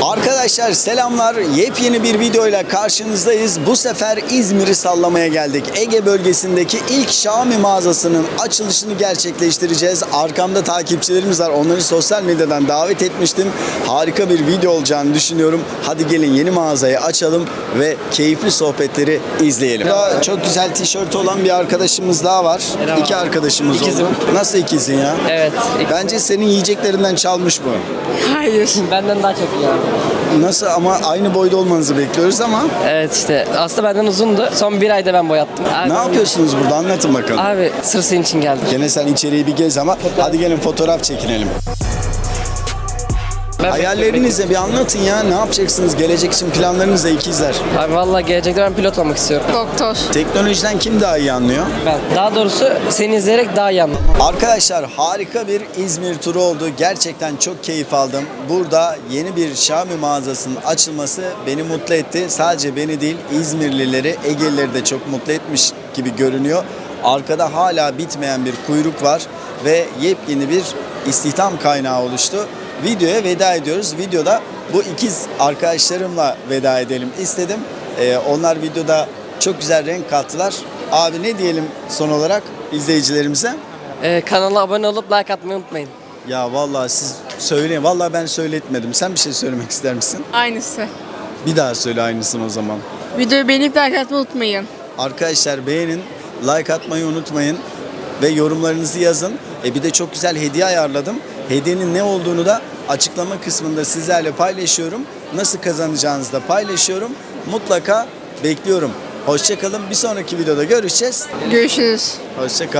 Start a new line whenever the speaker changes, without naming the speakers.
Arkadaşlar selamlar. Yepyeni bir videoyla karşınızdayız. Bu sefer İzmir'i sallamaya geldik. Ege bölgesindeki ilk Xiaomi mağazasının açılışını gerçekleştireceğiz. Arkamda takipçilerimiz var. Onları sosyal medyadan davet etmiştim. Harika bir video olacağını düşünüyorum. Hadi gelin yeni mağazayı açalım ve keyifli sohbetleri izleyelim. Burada çok güzel tişört olan bir arkadaşımız daha var.
Merhaba.
İki arkadaşımız
İkizim.
oldu. Nasıl ikizin ya?
Evet.
Bence senin yiyeceklerinden çalmış bu.
Hayır. Benden daha çok iyi abi.
Nasıl ama aynı boyda olmanızı bekliyoruz ama
Evet işte aslında benden uzundu. Son bir ayda ben boyattım. Abi,
ne yapıyorsunuz burada anlatın bakalım.
Abi sırf senin için geldim.
Gene sen içeriği bir gez ama hadi gelin fotoğraf çekinelim. Hayallerinizi bir anlatın ya. Ne yapacaksınız? Gelecek için planlarınız da ikizler.
Abi vallahi gelecekte ben pilot olmak istiyorum.
Doktor.
Teknolojiden kim daha iyi anlıyor?
Ben. Daha doğrusu seni izleyerek daha iyi anladım.
Arkadaşlar harika bir İzmir turu oldu. Gerçekten çok keyif aldım. Burada yeni bir Xiaomi mağazasının açılması beni mutlu etti. Sadece beni değil İzmirlileri, Egelileri de çok mutlu etmiş gibi görünüyor. Arkada hala bitmeyen bir kuyruk var ve yepyeni bir istihdam kaynağı oluştu. Videoya veda ediyoruz. Videoda bu ikiz arkadaşlarımla veda edelim istedim. Onlar videoda çok güzel renk kattılar. Abi ne diyelim son olarak izleyicilerimize?
Kanala abone olup like atmayı unutmayın.
Ya vallahi siz söyleyin. Vallahi ben söyletmedim. Sen bir şey söylemek ister misin?
Aynısı.
Bir daha söyle aynısını o zaman.
Videoyu beğenip like atmayı unutmayın.
Arkadaşlar beğenin, like atmayı unutmayın ve yorumlarınızı yazın. Bir de çok güzel hediye ayarladım. Hediyenin ne olduğunu da açıklama kısmında sizlerle paylaşıyorum. Nasıl kazanacağınızı da paylaşıyorum. Mutlaka bekliyorum. Hoşça kalın. Bir sonraki videoda görüşeceğiz.
Görüşürüz.
Hoşça kalın.